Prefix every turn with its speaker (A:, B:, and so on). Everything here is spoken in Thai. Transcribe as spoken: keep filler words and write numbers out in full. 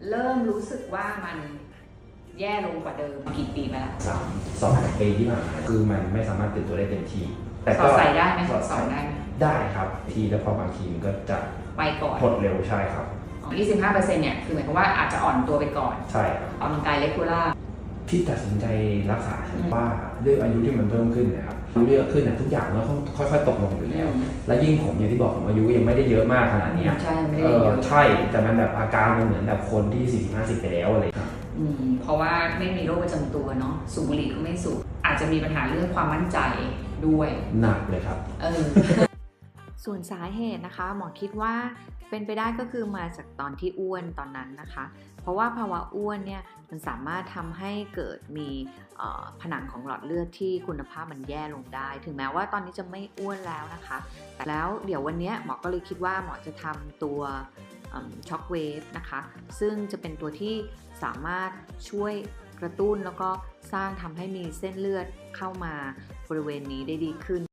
A: เริ่มรู้สึกว่ามันแย่ลงกว่าเดิมกี่ปีมาแล้ว
B: สามสองปีที่ผ่านมาคือมันไม่สามารถตื่นตัวได้เต็มที่
A: แต่ก็ใส่ได้ไหมสอนได้ไหม
B: ได้ครับทีแล้วพอบางทีมันก็จะ
A: ไปก่อน
B: หดเร็วใช่ครับ
A: ยี่สิบห้าเปอร์เซ็นต์เนี่ยคือหมายความว่าอาจจะอ่อนตัวไปก่อน
B: ใช่ครับ
A: ออกกำลังกายเลกูล่า
B: ที่ตัดสินใจรักษาว่าด้วยอายุที่มันเพิ่มขึ้นนะครับอายุเยอะขึ้นนะทุกอย่างมันค่อยๆตกลงอยู่แล้วและยิ่งผมอย่างที่บอกผมอายุยังไม่ได้เยอะมากขนาดนี้
A: ใช่ไม่ได้เยอะ
B: ใช่แต่มันแบบอาการมันเหมือนแบบคนที่สี่สิบห้าสิบไปแล้วอะไรครับ
A: อืมเพราะว่าไม่มีโรคประจำตัวเนาะสูบบุหรี่ก็ไม่สูบอาจจะมีปัญหาเรื่องความมั่นใจด้วย
B: หนักเลยครับ
A: เออ
C: ส่วนสาเหตุนะคะหมอคิดว่าเป็นไปได้ก็คือมาจากตอนที่อ้วนตอนนั้นนะคะเพราะว่าภาวะอ้วนเนี่ยมันสามารถทำให้เกิดมีผนังของหลอดเลือดที่คุณภาพมันแย่ลงได้ถึงแม้ว่าตอนนี้จะไม่อ้วนแล้วนะคะแต่แล้วเดี๋ยววันนี้หมอก็เลยคิดว่าหมอจะทำตัวช็อคเวฟนะคะซึ่งจะเป็นตัวที่สามารถช่วยกระตุ้นแล้วก็สร้างทำให้มีเส้นเลือดเข้ามาบริเวณนี้ได้ดีขึ้น